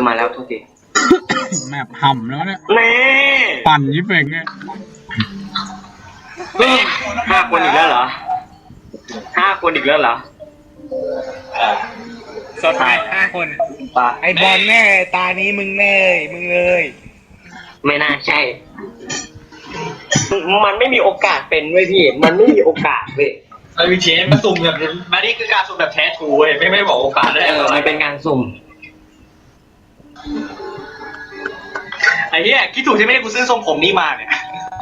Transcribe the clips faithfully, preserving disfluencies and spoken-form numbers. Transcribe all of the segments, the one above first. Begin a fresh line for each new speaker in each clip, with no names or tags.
มาแล้วทุกที
แมปห่ำแล้วเนี่ย
เน่
ปั่นยิ่งเป่งเนี่ย
ห้าคนอีกแล้วเหรอห้าคนอีกแล้วเหรอ
สดท้ายห้าคนไอบอลแน่ตานี้มึงแน่มึงเลย
ไม่น่าใช่มันไม่มีโอกาสเป็นเว้ยพี่มันไม่มีโอกาสเว้ย
ไอ้วิเชนมาสุ่มแบบมานี่คือการสุ่มแบบแท้ถูเว้ยไม่ไม่บอกโอกาสได้
เออมันเป็นการสุ่ม
ไอ้เหี้ยคิดถูกใช่ไหมกูซื้อทรงผมนี้มาเนี่ย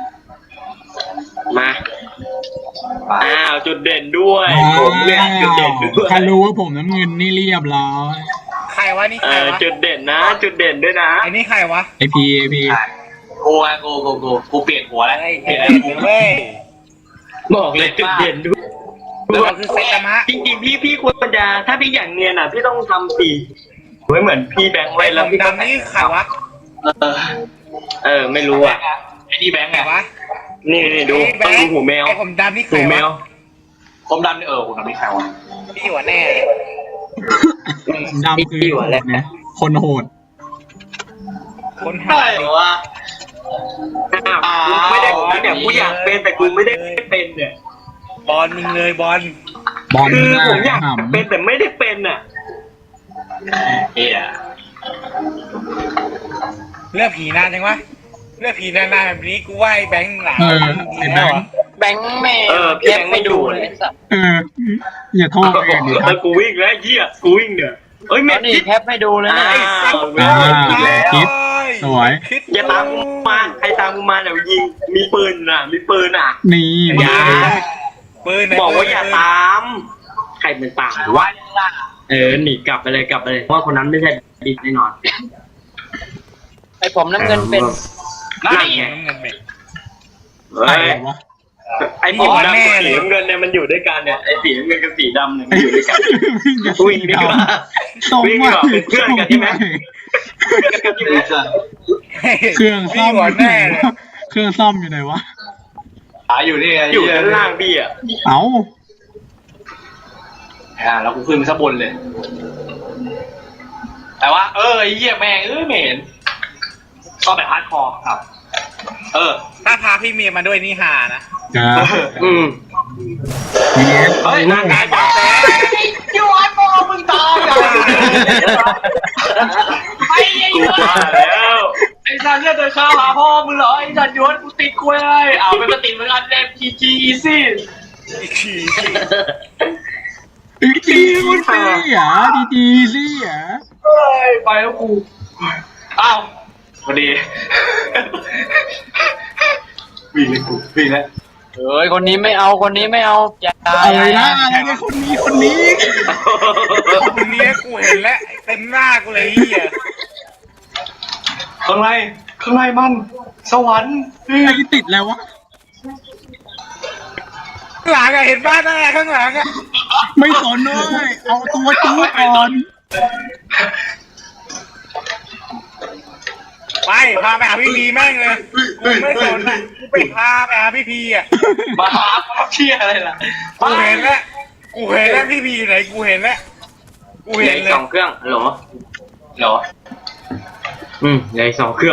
มาอ้าวจุดเด่นด้วยผมเนี่ยจุดเด่นด้วย
ถ้ารู้ว่าผมน้ำเงินนี่เรียบร้อย
ใครวะนี่ใครวะ
จุดเด่นนะจุดเด่นด้วยนะ
ไอ้นี่ใครวะ
ไอพีไอพี
กูไงกูกูกูกูเปลี่ยนหัวแล้ว
เปลี่ยนหัวเว้ย
บอกเลยจุดเด่นด้วย
เราคือเซตามะ
จริงๆพี่พี่ควรจะถ้าพี่อย่างเนียนอ่ะพี่ต้องทำสีไม่เหมือนพี่แบงค์ไว้แล้วพี่
ดำนี่ใครวะ
เออไม่รู้อ่ะ
ไอ้นี่แบงค์ไง
วะ
นี่นี่ดูต้องดูหูแมว
ไอ้ผมดำนี่ใคร
หูแมว
ผมดำนี่เออผมดำนี่ใครวะ
พี่หัวแน่
ดำคือเนี่ยคนโหด
คนห
าย
ว่ะกูไม่ได้เนี่ยกูอยากเป็นแต่กูไม่ได้เป็นเนี่ย
บอลมึงเลยบอล
บอล
คือผมอยากเป็นแต่ไม่ได้เป็นอ่ะ
เฮีย
เลือกผีนานจังวะเลือกผีนานๆแบบนี้กูว่าไอ้แบงค์หลา
ไอ้แบงค์
แบงค์แม่เออพี่แบงค์ไม่ดูเลย
เอออย่าโทษเลยดิ
ครับกูวิ่งแล้วเหี้ยกูวิ่งเนี่ยเอ้ยแม่
นี่แคปไม่ดูเลยนะ
คิดสวย
อย่าตามกูมาใครตามกูมาเดี๋ยวยิงมีปืนอ่ะมีปืนอ่ะ
นี่
อย่า
ปืน
บอกว่าอย่าตามใครเป็นตามหรือว่าเออหนีกลับไปเลยกลับไปเลยเพราะคนนั้นไม่ใช่ดิแน่นอน
ไอผมน้ำเงินเป็น
นั่นไงเฮ้ยไอ้ผมดำกับสีน้ำเงินเนี่ยมันอยู่ด้วยกันเนี่ยไอ้สีน้ำเงินกับสีดำเนี่ยมันอยู่ด้วยกันวิ่งดีกว่าวิ่งดีกว่าเป็นเพื่อนกันใช่ไหม
เครื่องซ่อมแน่เครื่องซ่อมอยู่ไหนวะ
หาอยู่นี่ไง
อยู่ด้านล่างพี่อ่ะ
เอ้า
อ่าแล้วกูขึ้นไปข้างบนเลยแต่ว่าเออไอ้เหี้ยแม่งเออเหม็นชอบแบบฮาร์ดคอร์ครับเออ
ถ้าพาพี่เมียมาด้วยนี่ฮานะ
อืม
เฮ้ยนั่งงานแบบแซ่ยูไอโฟนมึงตายอ่ะไอ้ยูแล้วไอ้สันเนี่ยเดินข้าวหาพ่อมึงเหรอไอ้สันยวนกูติดกล้วยเลยเอาไปมาติดเหมือนกันเล่มจีจีอีซี่
อีกที
อีกทีมันเสียดีดีสิอ่ะ
เฮ้ยไปแล้วกูอ้าวพอดีวิ่งเลยกูวิ่งแล้วเฮ้ยคนนี้ไม่เอาคนนี้ไม่เอาอย่า
อะไรนะอะไรเนี่ยคนนี้คนนี้
คนนี้กูเห็นแล้วเต็มหน้ากูเลยเหี้ย
ข้างในข้างในมันสวรรค์
ไอ้ติดแล้ววะ
หลังอะเห็นบ้านนั่นแหละข้างหลังอะ
ไม่สนเลยเอาตัวจู๊ก่อน
ไปพาไปหาพี่พีแม่งเลยไม่สนอ่ะกูไปพาไปหาพี่พีอ่ะ
มาหาเชี่ยอะไรล่ะ
กูเห็นแล้วกูเห็นแล้วพี่พีอยู่ไหนกูเห็นแล้วกูเห็นเลย
สองเครื่องหรอ
หรอ
อืมใหญ่สองเครื่อง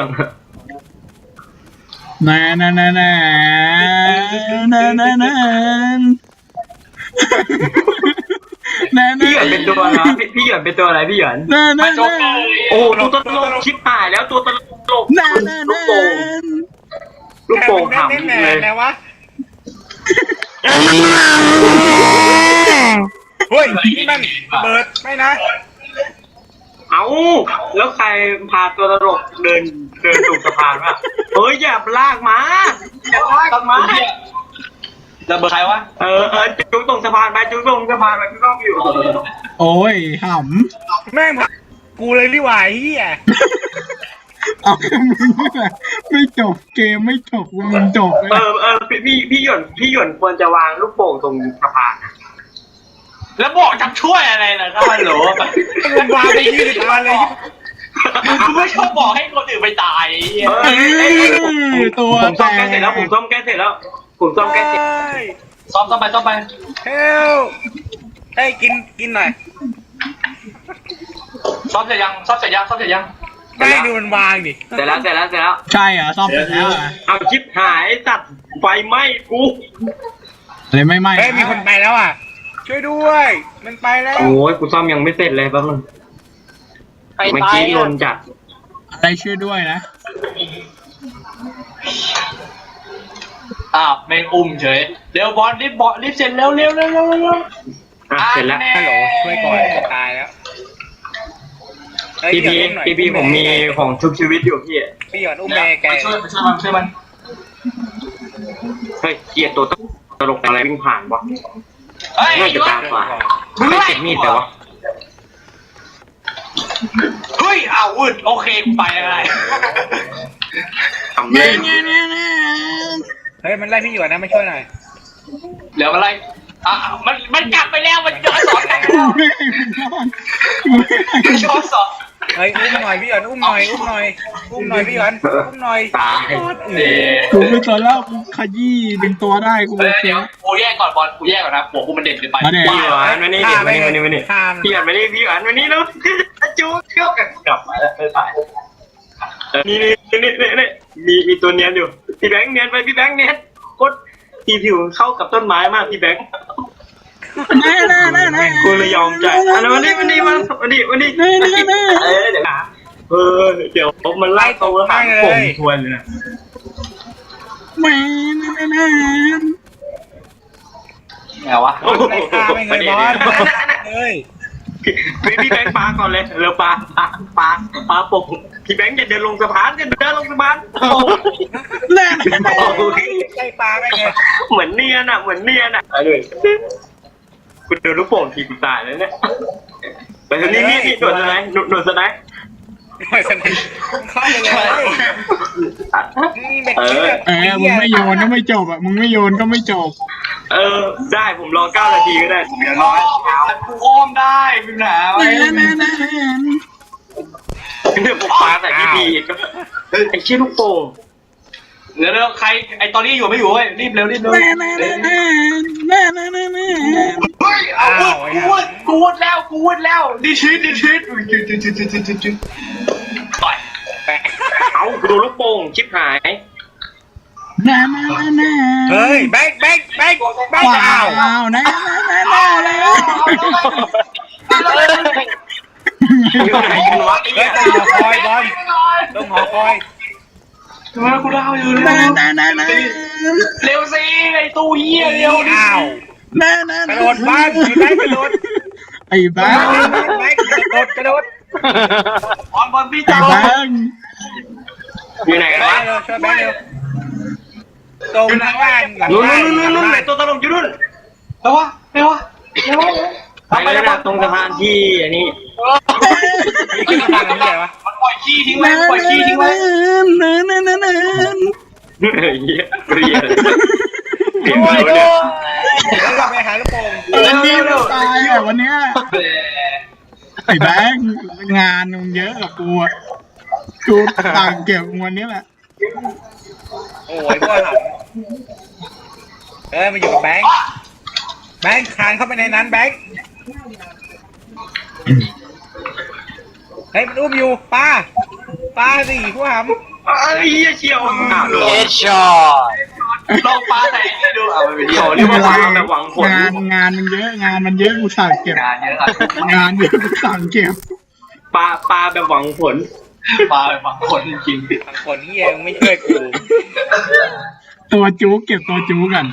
น่าน่าน่าน่าน่าน่าน่า
พี่หยวนเป็นตัวอะไรพี่หยวนเป็นตัวอะไรพี่หยวนโอ้ตัวตลกชิบหายแล้วตัวตลกลูกโป่งลูกโป่งขำเลย
นะวะเฮ้ยนี่มันเบิร์ดไม่นะ
เอาแล้วใครพาตัวตลกเดินเดินตกสะพานวะเฮ้ยอย่าลากมา
อย่าลากมาแล้วเบอร์ใครวะ
เออเออจุ๊กตรงสะพานไปจุ๊กตรงสะพานไปจุ๊กต้องอยู่
โอ้ยห่
ำแม่งกูเลยรีบไหวเฮีย
เอามึงไม่จบเกมไม่จบมึงจบ
เออเออพี่พี่หยวนพี่หยวนควรจะวางลูกโป่งตรงสะพาน
แล้วบอกจะช่วยอะไรล่ะครับฮัลโหล
มึงวางไปยืดมาเลย
กูไม่ชอบบอกให้คนอื่นไปตาย
ตัว
ผมซ่อมแก้เสร็จแล้วผมซ่อมแก้เสร็จแล้วผมซ่อมแก้เสร็จ
ซ่อมซ่อมไปซ่อมไป
เฮลให้กินกินหน่อย
ซ่อมเสร็จยังซ่อมเสร็จยังซ่อมเสร็จยัง
ไม่ดูมันวางดิ
เสร็จแล้วเสร็จแล้วเสร็จแล้ว
ใช่เหรอซ่อมเสร็จแล้วเหรอ
เอาชิปหายตัดไฟไหม้กู
เลยไม่ไหม้
เฮ้ยมีคนไปแล้วอ่ะช่วยด้วยมันไปแล้ว
โอ้ยกูซ่อมยังไม่เสร็จเลยแป๊บนึง
ไป
เมื่อ
ตาย
กี้ลนจัด
อะไรช่วยด้วยนะ
อ้าวแม่งอุ้มเฉยเร็วบอลรีบบอลรีบเสร็จเร็วเร็วเร็วเร็วเร็ว
อ่ะเสร็จแล้ว
ฮัลโหลช่วยก่อนจะตายแล้วเฮ้ย
พี่พี
เดี๋ยวอุ้หน่อย
พี่พีผมมีของชุบชีวิตอยู่พี่
พี่หยอดอุ้มแม่แก
ไปช่วยไปช่วยมันช่วยมัน
เฮ้ยเกียร์ตัวตลกอะไรวิ่งผ่านวะ
เฮ้ย
น่าจะตามกว่าไม่เก็บมีดแต่วะ
เฮ้ยอ้าววืดโอเคกูไปอะไร
ทำเล่น
เฮ้ยมันไล่พี่หยอดนะมาช่วยหน่อย
เหลืออะไรอ่ะมันมันกลับไปแล้วมันย้อนสอนกลับไป
กู
แล้ว
ไม่ให้มันนอนกูไม่ให้มันน
ย้
อ
อน นสอน
เฮ้ยอุ้มหน่อยพี่หยอดอุ้มหน่อยอุ้มหน่อยอุ้มหน่อยพี่หยอดอุ้มหน่อย
ตาย
เอ๊ะ
กูไม่ตอนแล้วกูขยี้ดึงตัวได้กู
เอ
โอ
อ
เค
เดี๋ยวกูแยกก่อนบอลกูแยกก่อนนะหัวกูมันเด่นเกินไป
มาเด่น
พี่หวานมานี่เดี๋ยวมานี่มานี่มานี่
ข้าม
พี่หวานมานี่พี่หวานมานี่แล้วจูเที่ยวกันกลับมาแล้วไม่ตายนี่นี่นี่นี่นี่มีมีตัวเนียนอยู่พี่แบงค์เนียนไปพี่แบงค์เนียนโคตรทีผิวเข้ากับต้นไม้มากพี่แบงค์
แน่แน่แน่แน่
กูเลยยอมใจอันนั้นวันนี้วันนี้มันวันนี้วันนี้เออเดี๋ยวนะเออเดี๋ยวมันไล่ตัวหางผมทวนเลยนะ
แม่แน่แน่
ไงวะ
โอ้โห
ไล่ฆ่าไม่เงยบอลเฮ้ย
พี่พี่แบงค์ปลาก่อนเลยเร็วปลาปลาปลาปลาปกพี่แบงค์อย่าเดินลงสะพานอย่าเดินลงสะพานโอ้
แน่แน่
ไล่ปลาไม่เงย
เหมือนเนียนอ่ะเหมือนเนียนอ่ะไอ้เลยคุณดูลูกโป่งทีกูตายแล้วเนี่ยแต่ทีนี้นี่นี่หนวดสไนหนวดสไน
หน่อยสนิทเข้าไปเลยนี่เป็น
เออ
เออมึงไม่โยนก็ไม่จบอ่ะมึงไม่โยนก็ไม่จบ
เออได้ผมรอเก้านาทีก็ได้เดี๋ยวร
อ้
อ
อมกูอ้อมได้มีปัญหาไหม
แน่แน่แน่
เดี๋ยวผมปาแต่พี่พีก็ไอ้เชี่ยลูกโป่ง
เดี๋ยวเดี๋ยวใครไอตอนนี้อยู่ไม่อยู่เว้ยรีบเร็วรีบเร็ว
แน่แน่แน่แน่แน่แน่แน่แน่
เฮ้ยเอาวุดกูวุดกูวุดแล้วกูวุดแล้วดิชิดดิชิดดิชิดดิชิดดิชิดดิชิดต่อย
เอาดูลูกโป่งชิบหาย
แน่แน่แน่
เฮ้ยแบงค์แบงค์แบงค์แบงค์
ว้า
อ้าว
วแน่แน่แน่แน่เลย
อยู่ไหนกันวะ
เฮ้ยต้องหอคอยบอลต้องหอคอย
ทำไมกูเล่าอยู่
แน่
เร็ว
แน่แน่แน่
เร็วสิไอตู้เหี้ยเร็วดิ
อ้าว
แน่แน่
กระโดดบ้านมีแบงค์กระโดด
ไอ้บ้า
แบงค์กระโดดกระโดด
บอลบอลพี่
ไอ้
เจ้า
บ้า
อยู่ไหนกัน
แบ
วะ
งค์เร็วช่วยแบงค์เร็วตรงข้างล่างหลัง
นู่น
บ้าน
นู่นนู่นนู่นไหนตัวตลกอยู่นู่น
เร็ววะเร็ววะเร็ววะ
ไปแล้วนะตรงสะพานที่อันนี้
นี่คือทางนี้เหรอวะ
มันปล่อยขี้ทิ้งไว้
แน่
ปล่อยขี้ทิ้งไว้
แน่แน่แน่แน่
เฮ้ยเหี้ยเรียนเรียน
โอ้
มาย แล้ว
โอ้
เนี่ย
ยแล้วเราไปหาลูกโป่ง
วันนี้ตายอ่ะวันเนี้ยไอ้แบงค์งานมึงเยอะกับกูอ่ะกูต่างเก็บวันนี้แหละ
โอ้ยพวกหลังเอ้ยมาอยู่กับแบงค์แบงค์คานเข้าไปในนั้นแบงค์เฮ้ยมันอุ้มอยู่ป้าป้าสิผู้หำ
ไอ้เหี้ยเชียวอ้าวโดน
ลองปลาไหนให้ดูเอาไปเที่ยว
เขาเรียกว่าปลาแบบหวังผล
งานงานมันเยอะงานมันเยอะกูสั่งเก็บ
งานเยอะอะ
งานเยอะกูสั่งเก็บ
ปลาปลาแบบหวังผล
ปลาแบบคนจริง
บางคนเฮียมึงไม่ช่วยกู
ตัวจู๊เก็บตัวจู๊กัน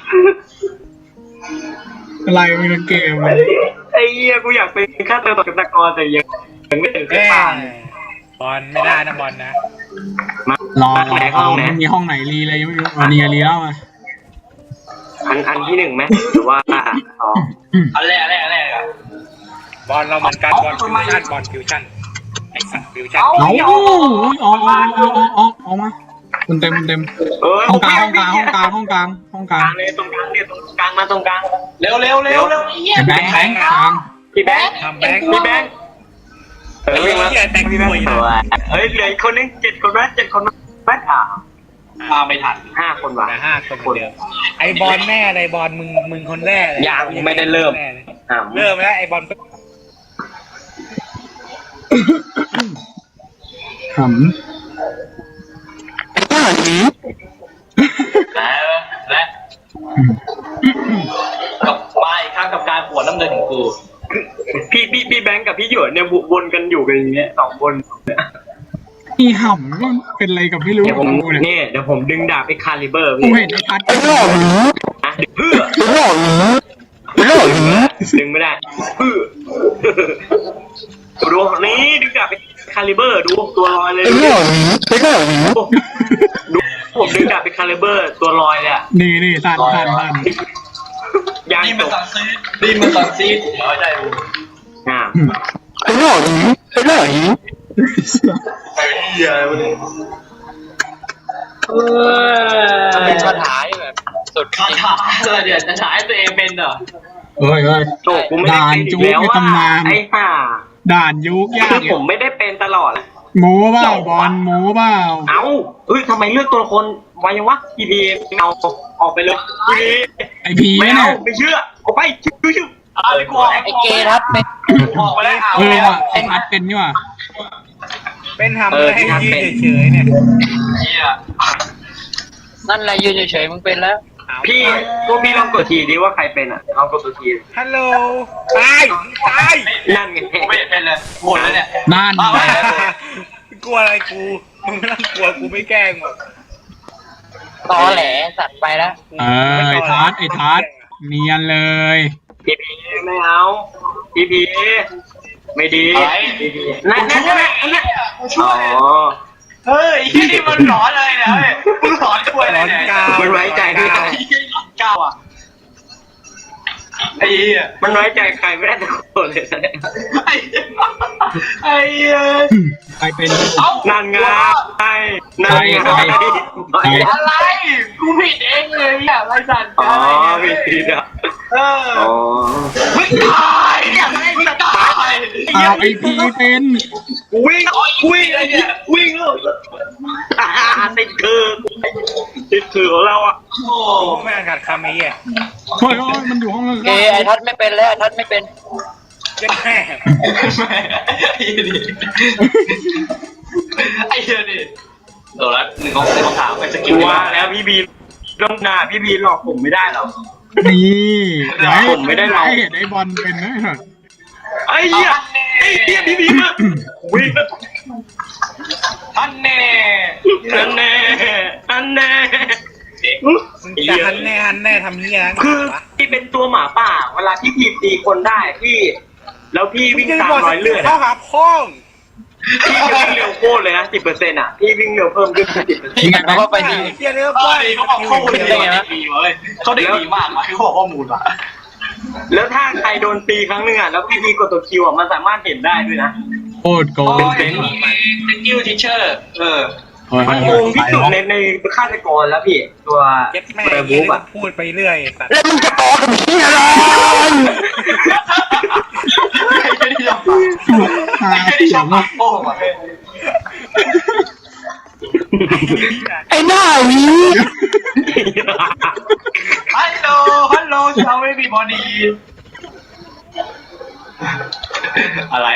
อะไรมันเป็นเกมมัน
ไอ้เหี้ยกูอยากเป็นฆาตกรแต่ยังยังไม่ถึง
แม่
ปลา
บอลไม่ได้นะบอลนะ
รอรอรอมันมีห้องไหนรีเลยยังไม่รู้วันนี้รีแล้วมา
อันอันที่หนึ่งไหมหรือว่าอ๋อ
อันแรกอันแรกอันแรกอะ
บอลเราเหมือนกันบอลฟิวชั่นบอลฟิวชั่นไอ้สัตว์ฟิวชั่น
เอาออกออกออกออกออกออกมาคุณเต็มคุณเต็ม
เออ
ห้องกลางห้องกลางห้องกลางห้องกลางห้องก
ก
ลา
ลาง งเลยตรงกลางเนี่ยตรงกลางมาตรงกลาง
เร็วเร็วเร็วเร็วเยี่ย
ไอ้แบงค์แบงค์กลาง
พี่แบงค์
ทำแบงค์
พี่แบงค์เออ
ไอ้เหี้ยแต่ง
พี่
ส
แบง
วย
ค์
นะ
เฮ้ยเหลืออีกคนนึงเจ็ดคนไหมเจ็ดคนไหมแม่อ่า
มาไม่ทัน
ห้าคนว่ะ
แต่ห้าคนเดียวไอ้บอลแม่อะไรบอลมึงมึงคนแรกเลย
ยังไม่ได้เริ่ม อ่า
เริ่มแล้วไอ้บอล
ขำ
และและกับมาอีกครั้งกับการปวดน้ำเงินของกู
พี่พี่พี่แบงค์กับพี่หยวนเนี่ยวนกันอยู่กันอย่างเงี้ยสองคนเนี่ย
อีห่ำก็เป็นอะไรกับไม่รู้
เดี๋ยวผม
กูเนี่ย
เนี่ยเดี๋ยวผมดึงดาบไปคาลิเบอร์
กู
พี่
เห็นไอ้พัด
อ่ะเพื่อดึงไม่ได้เพื่อดูนี่ดึงดาบไปคาลิเบอร์ดูตัวลอยเลยดูดูผมดึงดาบไปคาลิเบอร์ตัวลอยเลยอ่ะ
นี่นี่สั่นสั่นสั่น
ยาง
นี่
จ
มัน
บ
สังซีดนี่มันสังซีดเดี๋ยวใจกู
อ่า
ไอ้เหี้ยอะไรวะเนี่ยเออเป็นปัญหาแบบสุดคาถาเลยเดี๋ยวจะฉายตัวเองเป็นเหรอ
เอ้ยเอ้ย
โจกูไม่ได้
ด่าน
เป็นอี
จุ
ก
ก
แล้ว
ใน
ว่า
ตำนาน
ไอ้ห่า
ด่านยุกยา
คื
ก
อผมไม่ได้เป็นตลอด
โม้เปล่าบอลโม้เปล่า
เอ้าเฮ้ยทำไมเลือกตัวละครไวยังวะพีพีเอาออกไปเลยพีพี
ไอพี
ไม่
เนี่
เอา
ย
ไม่เชื่อออกไปชื่อชื่อ
อะไรกูไอ้เกย์ทัดเป็นออกไปแล้วเอา
เออ
แล้ว
ว่ะไอพัดเป็นนี่ว่ะ
เป็นทำเลยให้ยืนเฉยๆเนี่ย
เหี้ยนั่นแหละยืนเฉยๆมึงเป็นแล้ว
พี่พวกพี่ลองกดทีดิว่าใครเป็นอ่ะลองกดตัวที
ฮัลโหลตายตาย
นั่นไง
กูไม่เป็นเลยหมดแล้วเนี่ย
นั่น
เอาไป
กลัวอะไรกูมึงไม่ต้องกลัวกูไม่แกล้งหรอก
ตอแหลสัตว์ไปแล้ว
เออไอทัดไอทัดเนียนเลย
พีพีไม่เอาพีพีไม่ดี
อะไร
นั่นนั่นนั่นนั่น
ช่วย
อ๋อ
เฮ้ยที่นี่มันหลอนเลยนะเฮ้ยมึงหลอนช่วยอะไรเนี่ย
มันไว้ใจไม่ได้
เก้าอ่ะไอ้เหี้ย
มันไว้ใจใครไม่ได้ทุกคนเลย
ไอ้ไอ้เหี้ย
ใครเป็น
เอ้า
นั่นไงนั่นไง
อะไรกูผิดเองเลยอ่ะไรสัตว์
อ๋อไม่ดีอ่ะ
เออ
อ๋อ
ไม่ตายเนี่ยไม่ตาย
เอาไอพีเป็น
วิ่งวิ่งอะไรเนี่ยวิ่งเลยติดคือติดคือของเราอ่ะ
โอ้
กูไม่อ่านขาดคำไอ้เหี้ย
เฮ้ยโอ้ยมันอยู่ห้องข้าง
เกย์ไอ้ทัดไม่เป็นแล้วไอ้ทัดไม่เป็น
เจ็บแม่
ไอ้เหี้ยดิไอ้เหี้ยดิโดนแล้วหนึ่งของหนึ่งของถามไปสกิล
ว่าแล้วพี่บีต้องหน้าพี่บีหลอกผมไม่ได้หรอก
นี่อย่าให้
ผมไม่ได้เรา
ให้เห็นไอบอลเป็นนะ
ไอ้เหี้ยไอ้เหี้ยพี่บีมาวิ่ง
ท่านแน่
อันแน่อันแน่
มึงจะหันแน่หันแน่ทำเหี้ย
คือพี่เป็นตัวหมาป่าเวลาพี่ผีตีคนได้พี่แล้วพี่วิ่งตามรอยเลือด
เข้าหาพ้อง
พี่จะวิ่งเร็วโคตรเลยนะสิบเปอร์เซ็นต์อ่ะพี่วิ่งเร็วเพิ่มขึ้นสิบเปอร์เซ็นต์
ยังไงแบง
ว่า
ค์
ไปดี
เหี้ยเนื้อ
เฮ้
ป้าย
ยเขาบอกข้อมูลดีดีเว้ยเขาได้ดีมากว่ะคือข้อมูลว่ะ
แล้วถ้าใครโดนตีครั้งหนึ่งอ่ะแล้วพี่พีกดตัวคิวอ่ะมันสามารถเห็นได้ด้วยนะ
โคตรโก
โอ้
ง
ยเป็นกิวทิเชอร์เออ
เฮ้ย
มันโกงที่สุดในในฆาตกรแล้วพี่ตัว
เจ็บแม่
เบอร์
เหี้
บุ๊
ย
กอ่ะ
พูดไปเรื่อยสัตว์
แล้วมึงจะต่อกับเหี้ยอะไร
ไอ้เจ้าที่ชอบ
หา
ไอ้เจ้า
เสี
ที่ช
ย
อง บ
มาก
โป้งว่ะ
ไอ้หน้าหวี
ฮัลโหลฮัลโหลชาวเวบีบอดีอะไร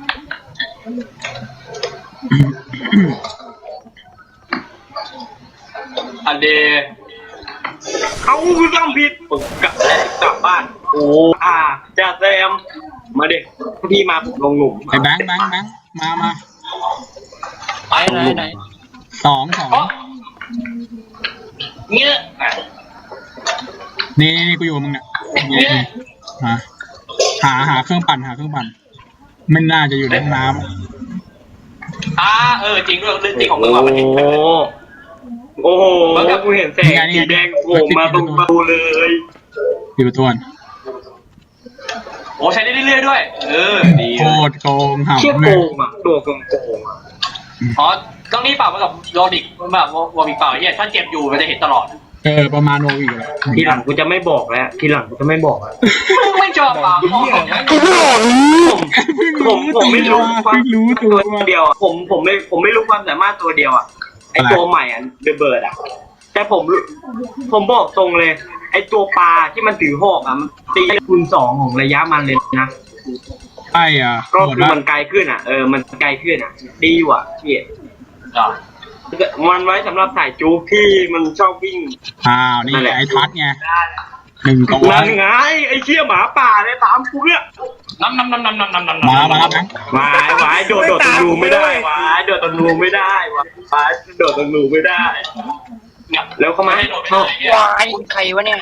อันเด
เขาคือทำผิดผมกลับแล้วกลับบ้านโอ้อ่าจ่าแซมมาดิพี่มาผมลงหนุ่ม
ไอแบงค์แบงค์แบงค์มามา
ไปไหนไหน
สองสอง
เงี้ย
นี่นี่กูอยู่กับมึงเนี่ยนี่นี่มาหาหาเครื่องปั่นหาเครื่องปั่นไม่น่าจะอยู่ในห้องน้
อ่าเออจริงด้วยเรื่องจริงของมึงว่ะ
โอ้
มันจริง
โอ้โหกูเห็นแสงสีแดงโผล่มาตรงประตูเลย
ำอยู่ตัว
โอ้ใช้ได้เรื่อยๆด้วย เออดี
โคตรโกง
เชี่ย
หำ
โก
เลย
งอ่ะตัวโกงโกงอ่ะ
อ๋อต้องนี่เปล่ามากับโรดิกแบบวอร์มิกเปล่าเนี่ยถ้าเจ็บอยู่มันจะเห็นตลอด
เออประมาณโนอีกเลย
ทีหลังกูจะไม่บอกแล้วทีหลังกูจะไม่บอกแล้ว
มึงไม่ชอบเปล่า
เหี้ยไหม
ผมผมผมไม่รู้ควา
เพิ่
ม
งรู้ตัว
เดียวอ่ะผมผมไม่ผมไม่รู้ความสามารถตัวเดียวอ่ะไอตัวใหม่อ่ะเดอะเบิร์ดอ่ะแต่ผมผมบอกตรงเลย ไอตัวปลาที่มันถือหอกอ่ะมันตีคูณสองของระยะมันเลยนะ
ไอ้อ่ะ
ก็
หมด
คือ
ละ
มันไกลขึ้นอ่ะเออมันไกลขึ้นอ่ะดีว่ะพี่
อ่ะ
มันไว้สำหรับถ่ายจู๊กที่มันชอบวิ่ง
อ้าวนี่
นั่นแหละ
ไอ้ทัดไงหนึ่งตัว
นั่นไงไอ้เชี่ยหมาป่าเลยตามกูเนี่ย
น้ำน้ำน้ำน้ำน้ำน้ำน้ำ
มาแล้วมาแล้วแบงค์
วายวายโดดโดดตรงรูไม่ได้วายโดดตรงรูไม่ได้วายวายโดดตรงรูไม่ได้ แล้วเข้ามาเข้าว
ายใครวะเนี่ย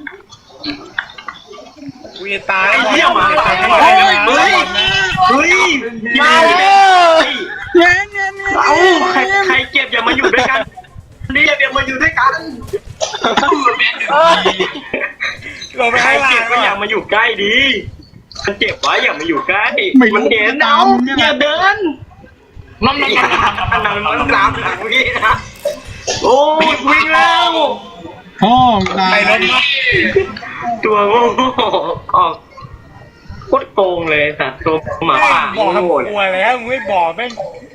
กูจะตาย
ไอ้เชี่ยหมาป่า
เฮ้
เฮ้ย
ย
เฮ้ยเฮ้ย
มาแล้ว
เงี้ยเงี้ยเงี้ย
เอ้าใครใครเก็บอย่ามาอยู่ด้วยกันนี่อย่ามาอยู่ด้วยกัน
เอ้ย
ลงไป
ใคร
ข้างล่า
เก็บ
ง
ก็อย่ามาอยู่ใกล้ดีมันเจ็บไว้อย่ามาอยู่ใกล้มันเห็นเอาอย่าเดิน
น้ำน้ำ
อย่า
น้ำน้ำ
น้ำน้ำน้ำหลังพี่นะโอ้ยวิ่งแล้ว
พ่อตา
ไป
ย
รถมา
ตัวโง่ออกโคตรโกงเลยสัตว์ตัวหมาป่า
บอกทำ
โง่
กลัวแล้วมึงไม่บอกแม่ง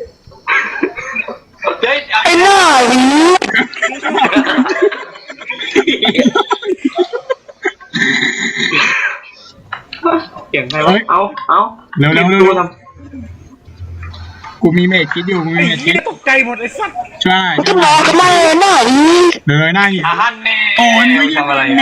เฮ้ย
ไอ้หน้าหวี
เสียงใครวะเอาเอา
เร็วเร็วเร็ว
ตัวท
กูมีเมจคิดอยู่กูมี
ไอ้
เมจคิ
เหี้
ด
ยตกใจหมดไอ้สัส
ช่วยหน่อย
จะ
ช่วยห
บ
น่
อ
อย
กทำไมหน้าหวี
เลยหน้าหิน
อาหารเน่
โอ้ยไม่ใช่
ำอะไร
นี่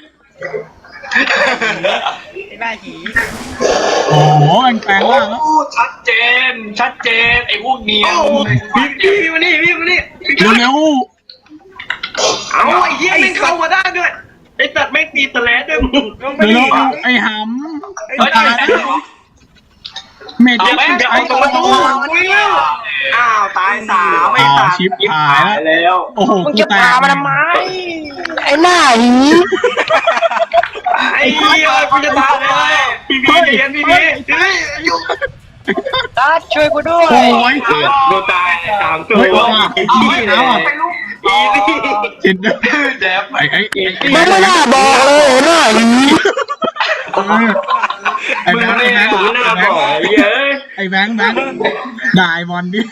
ไอ้หน้าหี
โอ้โหมันแปลง
โอ้
ร่างแล้ว
ชัดเจน ชัดเจน ไอ้พวกเนีย
โอ้พี่พี่มานี่พี่มานี่
เร็วเร็ว
เอาไอ้เหี้ยแม่งเข้ามาได้ด้วยไอ้สัตว์แม่งตีสแลดด้วยมึง
ลงไป
เร็ว
ดิ
เร็วไอ้ห
ไอ้
เฮ้ย
ตา
ได้
ย
ได้
ำเมจ
เอา
เจ็บ
แม่ง
จะ
เอา
ไอ้
ตรงประตู
อ้าวตายสามไม่ตายแล้ว
โอ้โห
มึง
กู
จะ
แต
พาก มาทำไมไอ้หน้าหวี
ไอ้เหี้ยกูจะตายเลยพี่พี่เรียนพี่พี่เฮ้ยอยู่
ตัดช่วยกูด้วย
โอ้ย
กูตายสามตัว
เฮ้ยเอาว่ะ
อี
เอา
นี่
ว่ะเอาว่ะ
อีนี่
จิตเด้อ
แจ๊บ
ไอ้ไอ้ไอ้ไอ้
มึงไม่น่าบอกเลยไอ้หน้าหวี
เออไอ้
มึง
แบงค์
ไม่
ไอ้แบงค์
ถูหน้าบ่อยเย้ย
ไอ้แบงค์แบงค์ด่าไอ้บอลดิ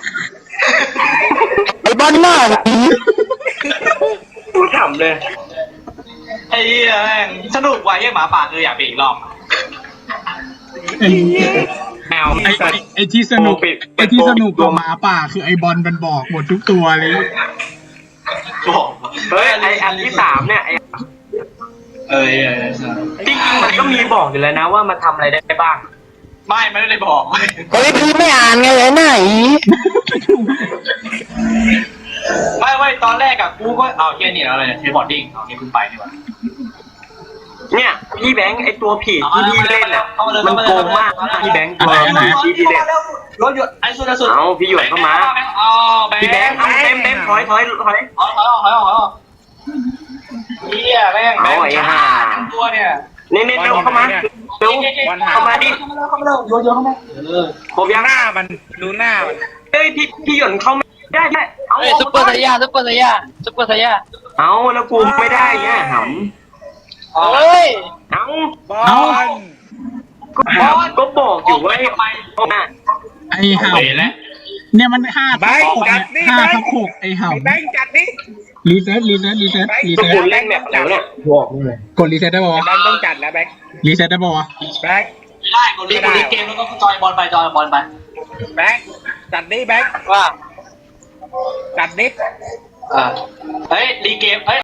ไอ้บอลหน้าหวี
กูทำเลย
ไอ้เหี้ยแม่งสนุกว่ะไอ้หมาป่าคืออยากไปอีกรอบ
ไอ้
แมว
ไอ้ไอ้ไอ้ที่สนุกไอ้ที่สนุกกับหมาป่าคือไอ้บอลมันบอกหมดทุกตัวเลย
บอก
เฮ้ยไออันที่สามเนี่ยไอ
เอ้ย
จริงๆมันก็มีบอกอยู่แล้วนะว่ามันทำอะไรได้บ้าง
ไม่ไม่ได้บอก
เฮ้ยพี่ไม่อ่านไงไอ้หน้าหวี
ไม่ไม่ตอนแรกอะกูก็เอาเฮียนี่อะไรเนี่ยเทบอร์ดดิ้งเอาเนี่ยเพิ่งไปนี่หว่า
เนี่ยพี่แบงค์ไอตัวผีที่พี่เล่นอ่ะมันโกงมากพี่แบงค์ตัวที่พี่เล่น
รถหยุดไอ้สุดไอ้สุด
เอาพี่หยวนเข้ามา
เอาแบงค์
พี่แบงค์เอาเต็มเต็มถอยถอยถอย
ถอยถอยถอยถอยเฮียแม่งแบงค์ตัวเนี่ย
เน้นเน้นเร็วเข้ามาเร็วเข้ามาดิ
เข้ามาเข้ามาเร็วโยนโยนเข้ามาเออ
ผมยัง
หน้ามันดูหน้ามัน
เฮ้ยพี่พี่หยวนเข้าไม่ได้ได้เอา
เฮ้ยซุปเปอร์ไซย่าซุปเปอร์ไซย่าซุปเปอร์ไซย่า
เอาแล้วกูไม่ได้เนี่ยห
เฮ้ย
ำเอา
บอล
ก็ก็บอกอยู่ว่าให้ไป
ไอ้ห่า
เห็นแล้ว
เนี่ยมันห้าทับหกห้าทับหกไอ้ห่า
ไอ้แบงค์จัดนี่
รีเซ็ตรีเซ็ตรีเซ็ตรี
ก็
เซ็ต
คุณเล่นแบบแล้วเนี่ยบอกเลย
กดรีเซ็ตได้ป่าวะ
แบงค์ต้องจัดแล้วแบงค์
รีเซ็ตได้ป่าวะ
แบงค์
ได้กดลิกกดลิกเกมแล้วก็จอยบอลไปจอยบอลไป
แบงค์จัดนี่แบงค์
ว่า
จัดนี่
อ่าเฮ้ยรีเกมเฮ้ย